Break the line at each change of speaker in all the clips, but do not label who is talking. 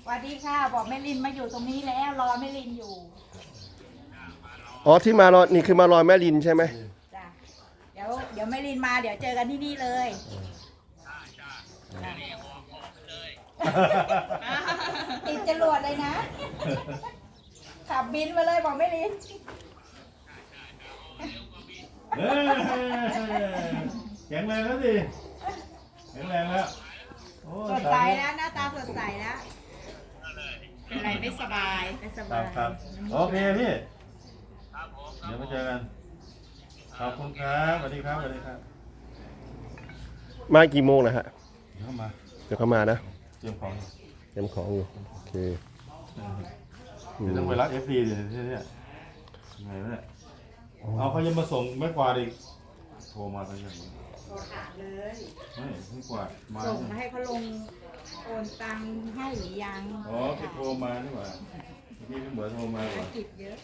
สวัสดีค่ะบอกแม่ลินมาอยู่ตรงนี้แล้วรอแม่ลินอยู่
อ๋อที่มารอนี่คือมารอแม่ลินใช่ไหม
จ้ะเดี๋ยวแม่ลินมาเดี๋ยวเจอกันที่นี่เลยติดจรวดเลยนะขับบินมาเลยบอกแม่ลิน
แข็งแรงแล้วสิแข็งแรงแล้ว
สดใสนะหน้าตาสดใสนะเป็นไรไม่สบาย
ครับโอเคพี่เดี๋ยวมาเจอกันขอบคุณครับสวัสดีครับสวัสดีครับ
มากี่โมงนะฮะ
เดี๋ยวเข้ามา
นะ
เตรียมของ
อยู่โอเค
เดี๋ยวต้องไปรับเอฟซีเดี๋ยวเนี่ยยังไงวะเนี่ยเอาเขายังมาส่งไม่กวาดอีกโทรมาตอนนี้
โทรถามเลย
ไม่กวาดมา
ส่งมาให้เขาลงโอนตังค์ให้หรือยัง
อ๋อพี่โทรมานี่หว่าพี่เหมือนโทรมา
ธุรกิจเยอะ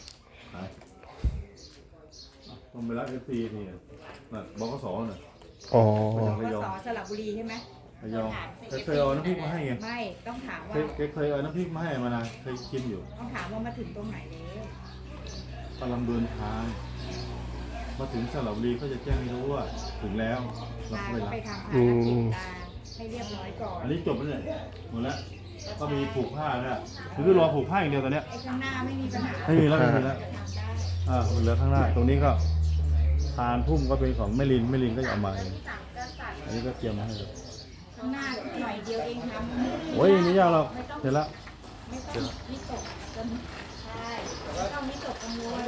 ต้องไปรับเอฟซีนี่น่ะบกสน่ะ
อ๋อ
ปสสระบุรีใช่ไหม
ระยองเคยเอาน้ำพริกมาให้ไง
ไม่ต้องถามว่า
เคยเอาน้ำพริกมาให้มานะเคยกินอยู่
ต้องถามว่ามาถึงตรงไหนแล้ว
กำลังเดินทางมาถึงสระบุรีก็จะแจ้งให้รู้ว่าถึงแล้วเราก็ไป
ทำภารกิจตาให้เรียบร้อยก่อน
อันนี้จบแล้วเนี่ยหมดแล้วก็มีผูกผ้าเนี่ยคือรอผูกผ้าอย่างเดียวตอนเนี้ย
ไอ้ข้างหน้าไม่มีปัญหา
ไม่มีแล้วมันเหลือข้างหน้าตรงนี้ก็ทานพุ่มก็เป็นของแม่ลินก็จะเอามาอันนี้ก็เตรียมมาให้
ข้างหน้าหน่อยเดียวเองทำ
โอ้ยไม่ยากหรอกเสร็จแล้ว
ไม่ต้องนิตกจนใช่ไม่ต้องนิตกกังวล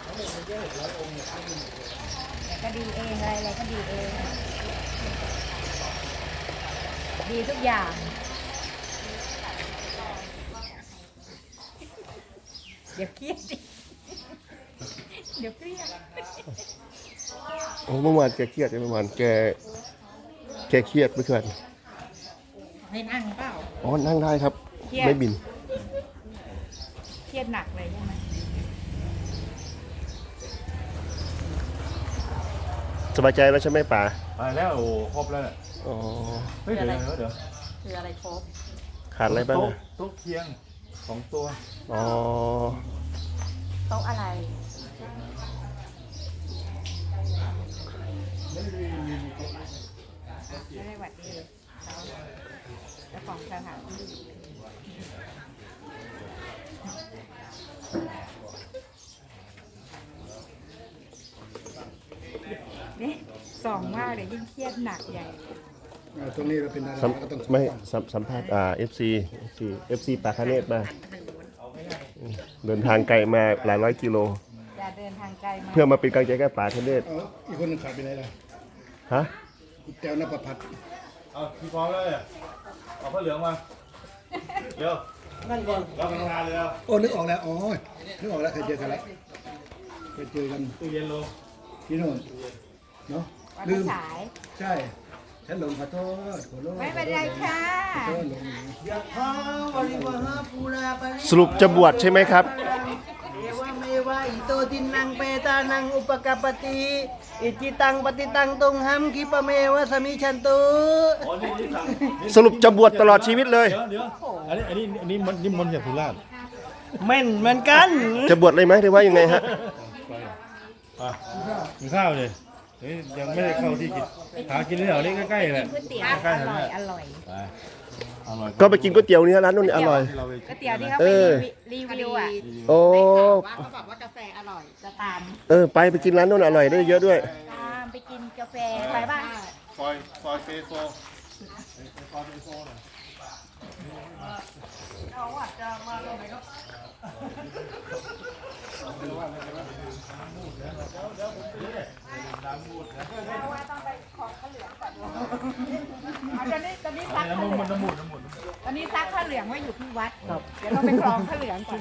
ก็ดีเองอะไรก็ดีเองดีทุกอย่างเดี๋ยวเครียดเดี๋ยวเครียด
โอ้เมื่อวานแกเครียดเมื่อวานแกเครียดเมื่อคืน
ให้นั่งเปล่า
อ๋อนั่งได้ครับไม่บิน
เครียดหนักเลยใช่ไหม
สบายใจแล้วใช่ไหมป๋า
ไปแล้วโอ้ครบแล้วเนี่ย
อ๋อ
เฮ้ยเดี๋ยว
คืออะไรครบ
ขาดอะไรบ้าง
โต๊ะเคียง2 ตัว
อ๋อ
โต๊ะอะไรไม่ได้หวัดดีเจ้าของสถานที่นี่ส่องมากเดี๋ยวยิ่งเครียดหนักใหญ่
ตรงนี้เราเป็นอะไรก็ต้อง
ไม่สัมภาษณ์FC ปาคาเนตมาเดินทางไกลมาหลายร้อยกิโล
จะเดินทางไกลมา
เพื่อมาเป็นกำลังใจแก่ปาคาเนต
อีกคนนึงขาดไปไหนล่ะ
ฮะ
แต้วนภพัฒน์
เอาพี่พร้อมแล้วเนี่ยเอาผ้าเหลืองมาเดี๋ยวนั่นก่อนเราทำงานเลยแล้ว
โอ้นึกออกแล้วนึกออกแล้วเคยเจอกันแล้ว
ตู้เย็นลง
ที่โน่นเนาะ
ลืม
ใช่ฉันหลงขอโทษ
ไม่เป็นไรค่ะ
สรุปจะบวชใช่ไหมครับ
อิโตตินังเปตานังอุปกปติอิจิตังปฏิตังตุงหัมคิปะเมวะสมิชันตุ
สรุปจะบวชตลอดชีวิตเลย
เดี๋ยวอันนี้นิมนต์จากสุราษฎร์
แม่นเหมือนกัน
จะบวชเลยไหมหรือว่ายังไงฮะ
กินข้าวเลยยังไม่ได้เข้าที่กินหากินที่แถวนี้ใกล้ๆแหละ
ใกล้ๆอร่อย
ก็ไปกินก๋วยเตี๋ยวนี่ร้านนู้นอร่อย
ก๋วยเตี๋ยวที่เขาไปรีวิวอ่ะ
โอ้
เขาบอกว่ากาแฟอร่อยจะตาม
ไปกินร้านนู้นอร่อยได้เยอะด้วย
ตามไปกินกาแฟไปบ้าง
ซอยเฟโซ
เขาอาจจะมาตรงไหนก็ต้องไปของข้าวเหลืองก่อนตอนนี้ซักข้าวเหลืองตอนนี้ซักข้าวเหลืองไว้อยู่ที่วัดเดี๋ยวต้องไปกรองข้าวเหลืองก่อน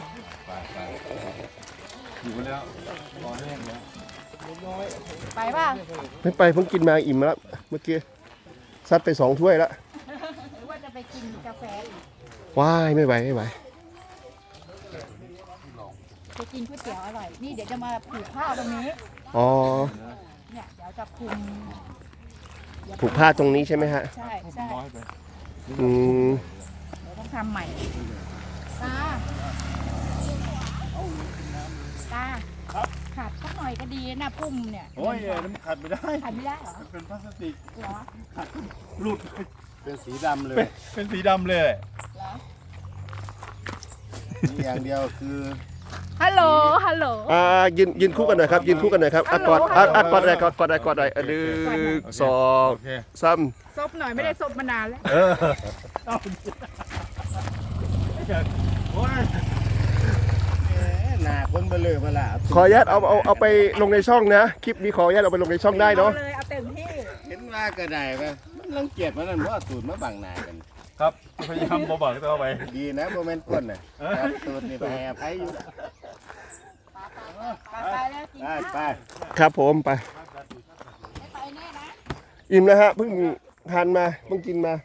อยู่แล้วรอแห้งแล้ว
ไปป่ะ
ไม่ไปเพิ่งกินมาอิ่มแล้วเมื่อกี้ซัดไป2 ถ้วยแล้ว
หรือว่าจะไปกินกาแฟอีก
ว้ายไม่ไหว
ไปกินก๋วยเตี๋ยวอร่อยนี่เดี๋ยวจะมาผูกผ้าตรงนี้
อ๋อ
เนี่ยเดี๋ยวจะคุม
ผูกผ้าตรงนี้ใช่ไหมฮะ
ใช่เดี๋ยวต้องทำใหม่ตาขัดสักหน่อยก็ดีนะพุ่มเนี่ย
โอ้ยน้ำขัดไม่ได้
ขัดไม่ได้เหรอ
เป็นพลาสติก
เหรอ
หลุด
เป็นสีดำเลย
เป็นสีดำเลย
เหรอ
มีอย่างเดียวคือ
ฮัลโหลฮัลโหล
ยืนคู่กันหน่อยครับยืนคู่กันหน่อยครับกอดกอดได้กอดได้กอดได้หนึ่งสอง
โอเค
สาม
ซบหน่อยไม่ได้ซบมานานแล้ว
โอ้ย
หนาคนเบลอเบล่า
ขออนุญาตเอาไปลงในช่องนะคลิปนี้ขออนุญาตเอาไปลงในช่องได้เนาะ
เลยเอาเต็มที่
เห็นว่ากระไดไปมันรังเกียจมันนั่นว่าสูตรมาบังหนากัน
ครับพยายามบอกตัวเอาไป
ดีนะโมเมนต์ก้นน่ะครับสูตรนี่ไปอภัยอยู่
ไปแล้วกิน
ไป
ข้าว
ไป
ครับผมไป
ไม่ไปแน่นะ
อิ่มแล้วฮะเพิ่งทานมาเพิ่งกินมา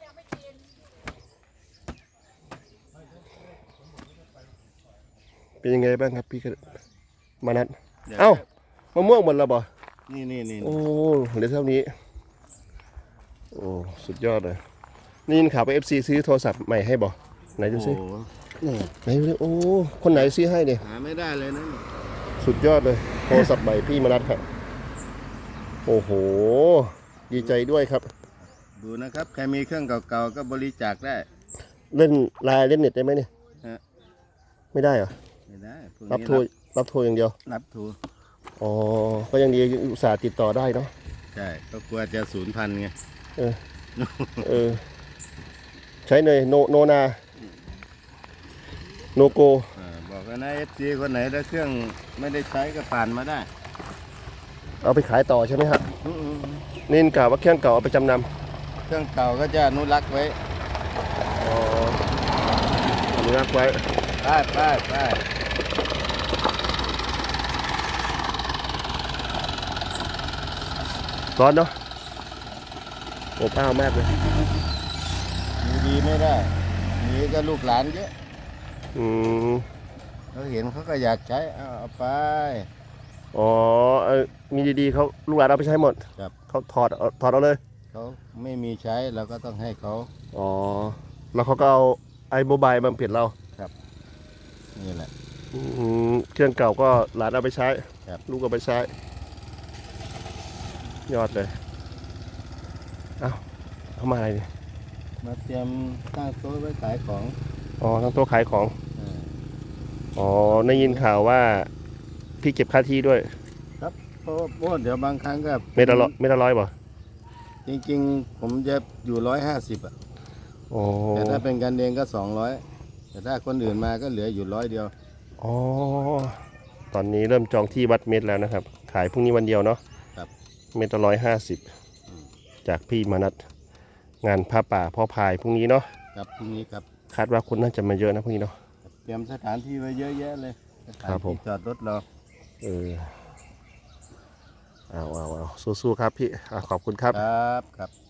เป็นยังไงบ้างครับพี่มานัดเอ้ามะม่วงหมดแล้วบ่
นี่
โอ้เหลือเท่านี้โอ้สุดยอดเลยนี่ยินข่าวไป FC ซื้อโทรศัพท์ใหม่ให้บ่ไหนดูซิ
นี่
ไหนดูดิโอ้คนไหนซื้อให้เนี่ย
หาไม่ได้เลยนะ
สุดยอดเลยโทรศัพท์ใหม่พี่มานัดครับโอ้โหดีใจด้วยครับ
ดูนะครับใครมีเครื่องเก่าๆก็บริจาคได้
เล่นไลน์เล่นเน็ตได้ไหมเนี่ย
ฮะ
ไม่ได้เหรอ
ไม่ได้พวก
รับ
นี้
โทรอย่างเดียว
รับโทร
อ๋อก็ยังดีอุตส่าห์ติดต่อได้เนาะ
ใช่ก็กลัวจะสูญพันธุ์ไง
เออใช้เนยโนนาโนโก
บอกกันนะFC คนไหนถ้าเครื่องไม่ได้ใช้ก็ผ่านมาได้
เอาไปขายต่อใช่ไหมฮะนี่กล่าวว่าเครื่องเก่าเอาไปจำนำ
เครื่องเก่าก็จะอนุรักษ์ไว้
อ๋ออนุรักษ์ไว้
ไป
ร้อนเนาะอบอ้าวมากเลย
มีดีไม่ได้มีก็ลูกหลานเยอะ
อืม
เขาเห็นเขาก็อยากใช้เอาไป
อ๋อมีดีๆเขาลูกหลานเอาไปใช้หมด
ครับ
เขาถอดเอาเลย
เขาไม่มีใช้เราก็ต้องให้เขา
อ๋อแล้วเขาก็เอาไอ้โมบายมาเปลี่ยนเรา
นี่แหละ
เครื่องเก่าก็หลานเอาไปใช้
ครับ
ลูกเอาไปใช้ ยอดเลย เอ้าเข้ามาอะไรเนี่ย
มาเตรียมตั้งโต๊ะไว้ขายของ
อ๋อทั้งโต๊ะขายของ
เออ
อ๋อได้ยินข่าวว่าพี่เก็บค่าที่ด้วย
เพราะว่าเดี๋ยวบางครั้งก็
เมตรละร้อยป่ะ
จริงๆ ผมจะอยู่150อ่ะ
อ๋อ
แต่ถ้าเป็นกันเองก็200แต่ถ้าคนอื่นมาก็เหลืออยู่100เดียว
อ๋อตอนนี้เริ่มจองที่วัดเม็ดแล้วนะครับ ขายพรุ่งนี้วันเดียวเนาะ
ครับ
เม็ดละ150จากพี่มนัสงานผ้าป่าพ่อพายพรุ่งนี้เนาะ
ครับพรุ่งนี้ครับ
คาดว่าคนน่าจะมาเยอะนะพรุ่งนี้เนาะ
เตรียมสถานที่ไว้เยอะแยะเลยสถาน
ครับผม
ที่จอดรถเรา
เออเอาสู้ๆครับพี่ขอบคุณครับ
ครับ